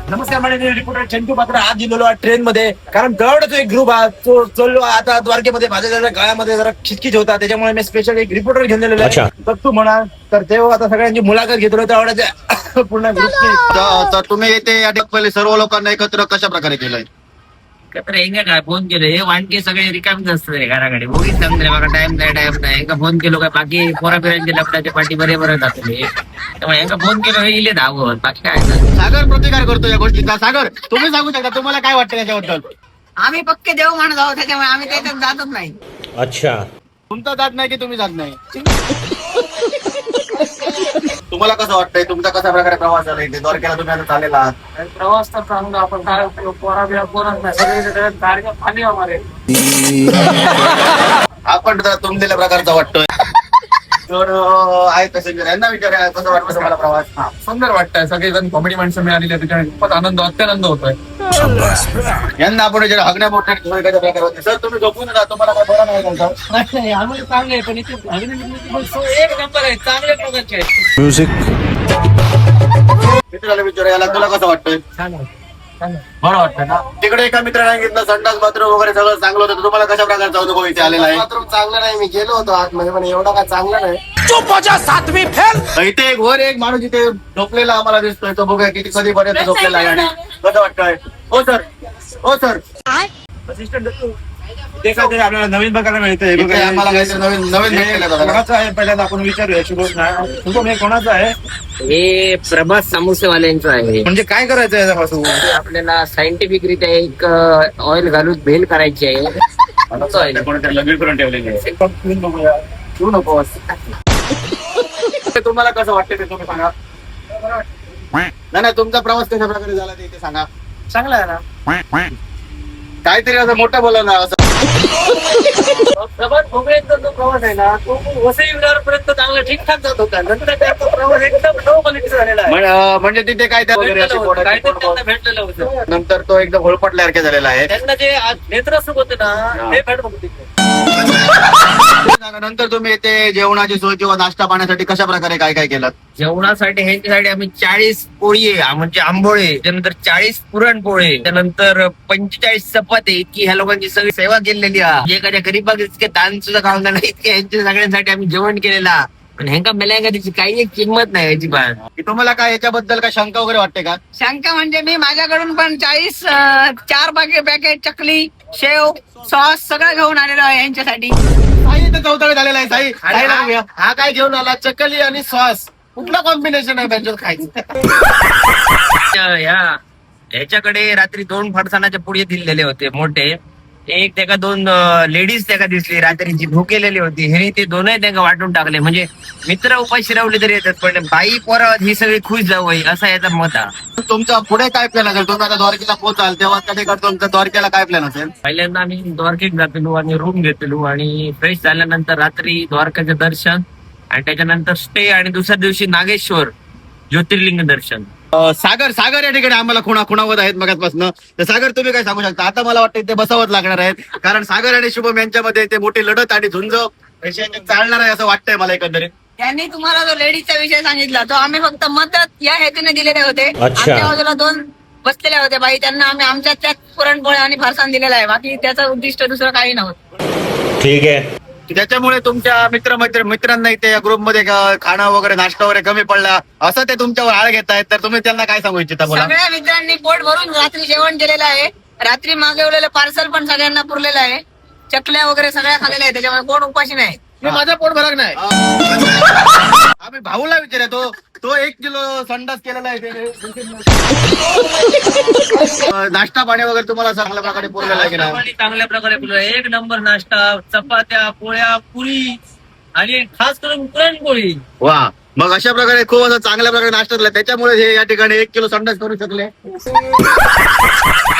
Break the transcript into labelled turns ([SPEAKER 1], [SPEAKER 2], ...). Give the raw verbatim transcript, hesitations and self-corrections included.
[SPEAKER 1] नमस्कार मंडळी, रिपोर्टर चंटू पात्र आज दिलेलो आहे ट्रेन मध्ये. कारण गडचा एक ग्रुप हा तो चाललो आता द्वारकेमध्ये. माझ्या जरा गळ्यामध्ये जरा खिचखिच होता, त्याच्यामुळे मी स्पेशल एक रिपोर्टर घेऊन दिलेलो आहे. तर तू म्हणा तर तेव्हा आता सगळ्यांची मुलाखत घेतलो तेवढ्याच्या पूर्ण ग्रुपची.
[SPEAKER 2] तर तुम्ही येते या पहिले सर्व लोकांना एकत्र कशा प्रकारे केलंय?
[SPEAKER 3] तर हेंगा काय फोन केलं हे वाणके सगळे रिकामीच असतात रे घराकडे. बोगीच सांगले बघा टाइम नाही टाइम नाही. हेंगा फोन केलो काय बाकी पोरा फिरायचे लपटाच्या पाठी बरे बरे जातले. त्यामुळे हेंगा फोन केलो हे इले धावत बाकी काय नाही.
[SPEAKER 2] सागर प्रतिकार करतो या गोष्टीचा. सागर तुम्ही सांगू शकता तुम्हाला काय वाटतं याच्याबद्दल?
[SPEAKER 4] आम्ही पक्के देव माणूस आहोत, त्याच्यामुळे आम्ही त्याच्यात जातच नाही.
[SPEAKER 5] अच्छा,
[SPEAKER 2] तुमचा जात नाही की तुम्ही जात नाही? तुम्हाला कसं वाटतंय? तुमचा कशा प्रकारे प्रवास झाला इथे द्वारकेला तुम्ही आता चाललेला आहात?
[SPEAKER 3] प्रवास तर चांगला. आपण काय पोरा बिरा पोरच नाही सगळे गाडीच्या खाली आम्हाला.
[SPEAKER 2] आपण तर तुमच्या प्रकारचा वाटतोय. तर अं, आहे तसे यांना विचारा कसं वाटतं तुम्हाला प्रवास?
[SPEAKER 1] सुंदर वाटतंय. सगळेजण कॉमेडी माणसं मिळालेली आहे, त्याच्यामुळे खूपच आनंद अत्यानंद होतोय.
[SPEAKER 2] यांना आपण विचारा हगण्या मोठ्या कशा प्रकारे होते. सर तुम्ही झोपून जा, तुम्हाला काय बरं नाही का?
[SPEAKER 3] नाही आम्हाला चांगले आहे पण इथे एक नंबर आहे. चांगल्या प्रकारचे आहे.
[SPEAKER 5] म्युझिक.
[SPEAKER 2] मित्राला विचारा याला तुला कसं वाटतंय? बरं वाटतं ना? तिकडे एका मित्राने सांगितलं संडास बाथरूम वगैरे सगळं चांगलं होतं. तर तुम्हाला कशा प्रकारचा अनुभव इथे आलेला आहे?
[SPEAKER 6] बाथरूम चांगलं नाही, मी गेलो होतो आतमध्ये पण एवढा काय चांगलं नाही.
[SPEAKER 2] इथे एक वर एक माणूस इथे झोपलेला आम्हाला दिसतोय. तो बघूया किती कधीपर्यंत झोपलेला आहे आणि कसं वाटतंय? हो सर, हो सर.
[SPEAKER 1] ते काहीतरी आपल्याला नवीन बघायला मिळतंय.
[SPEAKER 2] इथे आम्हाला काहीतरी नवीन नवीन भेटलेलं आहे बघा.
[SPEAKER 1] कोणाचं आहे पहिल्यांदा आपण विचारूया. शुभम शुभम हे कोणाचं आहे?
[SPEAKER 3] हे प्रभास समोसेवाल्यांचं आहे.
[SPEAKER 1] म्हणजे काय करायचं आहे याच्यापासून?
[SPEAKER 3] ते आपल्याला सायंटिफिक रित्या एक ऑइल घालून भेल करायची आहे.
[SPEAKER 2] कोणीतरी लग्न करून ठेवलेली आहे.
[SPEAKER 1] पिऊन बघूया.
[SPEAKER 2] तू नको. तुम्हाला कसं वाटतं ते तुम्ही सांगा. नाही नाही तुमचा प्रवास कशा प्रकारे झाला ते इथे सांगा.
[SPEAKER 3] चांगला आहे ना.
[SPEAKER 2] काहीतरी असं मोठं बोला ना. असं
[SPEAKER 3] प्रभास भोगळेंचा जो प्रवास आहे ना तो वसई विरारपर्यंत चांगला ठीकठाक जात होता. नंतर त्याचा प्रवास एकदम लो क्वालिटीचा झालेला आहे.
[SPEAKER 2] म्हण- अं, म्हणजे तिथे काय त्या वगैरे अशी
[SPEAKER 3] भेटलेलं होतं.
[SPEAKER 2] कोणाची
[SPEAKER 3] काहीतरी त्यांना
[SPEAKER 2] कोण-
[SPEAKER 3] भेटलेलं होतं.
[SPEAKER 2] नंतर तो एकदम होळपटल्यासारखे झालेला आहे.
[SPEAKER 3] त्यांना जे नेत्रसुख होते ना ते भेट बघते.
[SPEAKER 2] नंतर तुम्ही येथे जेवणाची सोय किंवा नाश्ता पाण्यासाठी कशा प्रकारे काय काय केलं?
[SPEAKER 3] जेवणासाठी ह्यांच्यासाठी आम्ही चाळीस पोळी आहे म्हणजे आंबोळे, त्यानंतर चाळीस पुरणपोळे, त्यानंतर पंचेचाळीस चपाती इतकी ह्या लोकांची सगळी सेवा केलेली आहे. एखाद्या गरीबाग इतके दान सुद्धा खाऊन नाही इतके ह्यांच्या सगळ्यांसाठी आम्ही जेवण केलेला. पण ह्यांका मेल्यांका त्याची काही एक किंमत नाही याची बात.
[SPEAKER 2] की तुम्हाला काय याच्याबद्दल काय शंका वगैरे वाटते का?
[SPEAKER 4] शंका म्हणजे मी माझ्याकडून पण चाळीस अं, चार पाकिट पॅकेट चकली, शेव, सॉस सगळं घेऊन आलेलो आहे यांच्यासाठी.
[SPEAKER 2] साई इथे चौथाळे झालेला आहे. साई साईला बघूया.
[SPEAKER 6] हा काय घेऊन आला? चकली आणि सॉस. कुठलं कॉम्बिनेशन आहे त्यांच्यात खायचं?
[SPEAKER 3] या ह्याच्याकडे रात्री दोन फरसाणाच्या पुढे दिलेले होते मोठे. एक त्याका दोन लेडीज त्याका दिसली रात्रीची भुकेलेली होती. हे ते दोनही त्याका वाटून टाकले. म्हणजे मित्र उपाशी रावले तरी येतात पण बाई पोरा ही सगळी खुश जावं असा याचा मत आहे.
[SPEAKER 2] तुमचा पुढे काय प्लॅन असेल? तुम्ही आता द्वारकेला पोहोचाल तेव्हा त्या ठिकाणी तुमचा द्वारकेला काय प्लॅन असेल?
[SPEAKER 3] पहिल्यांदा आम्ही द्वारकेत जातलो आणि रूम घेतलो आणि फ्रेश झाल्यानंतर रात्री द्वारकाचे दर्शन आणि त्याच्यानंतर स्टे आणि दुसऱ्या दिवशी नागेश्वर ज्योतिर्लिंग दर्शन.
[SPEAKER 2] अं, सागर सागर या ठिकाणी आम्हाला खुणा खुणावत आहेत मगाचपासून. तर सागर तुम्ही काय सांगू शकता? आता मला वाटतं ते बसावत लागणार आहेत कारण सागर आणि शुभम यांच्यामध्ये ते मोठी लढत आणि झुंज यांच्यात चालणार आहे असं वाटतंय मला एकंदरीत.
[SPEAKER 4] त्यांनी तुम्हाला जो लेडीजचा विषय सांगितला तो आम्ही फक्त मदत या हेतूने दिलेले होते.
[SPEAKER 5] अच्छा.
[SPEAKER 4] आमच्या बाजूला दोन बसलेल्या होत्या बाई, त्यांना आम्ही आमच्या त्यात पुरणपोळ्या आणि फरसाण दिलेला आहे. बाकी त्याचं उद्दिष्ट दुसरं काही नव्हतं.
[SPEAKER 5] ठीक आहे.
[SPEAKER 2] त्याच्यामुळे तुमच्या मित्र मैत्र मित्रांना इथे या ग्रुपमध्ये खाणं वगैरे नाश्ता वगैरे कमी पडला असं ते तुमच्यावर आळ घेत आहेत. तर तुम्ही त्यांना काय सांगू इच्छिता? बोला.
[SPEAKER 4] सगळ्या मित्रांनी पोट भरून रात्री जेवण केलेलं आहे. रात्री मागवलेलं पार्सल पण सगळ्यांना पुरलेलं आहे. चकल्या वगैरे सगळ्या खाल्लेल्या आहे, त्याच्यामुळे कोण उपाशी नाही.
[SPEAKER 6] मी माझा पोट भरक नाही.
[SPEAKER 2] आम्ही भाऊला विचारूया. तो तो एक किलो संडास केलेला आहे ते- अं, नाश्ता पाणी वगैरे तुम्हाला चांगल्या प्रकारे पुरलेला आहे की नाही?
[SPEAKER 3] आणि चांगल्या प्रकारे पुरवलं. एक नंबर नाश्ता, चपात्या, पोळ्या, पुरी आणि खास करून पुरणपोळी.
[SPEAKER 2] वा, मग अशा प्रकारे खूप असं चांगल्या प्रकारे नाश्ता झाला. त्याच्यामुळे हे या ठिकाणी एक किलो संडास करू शकले.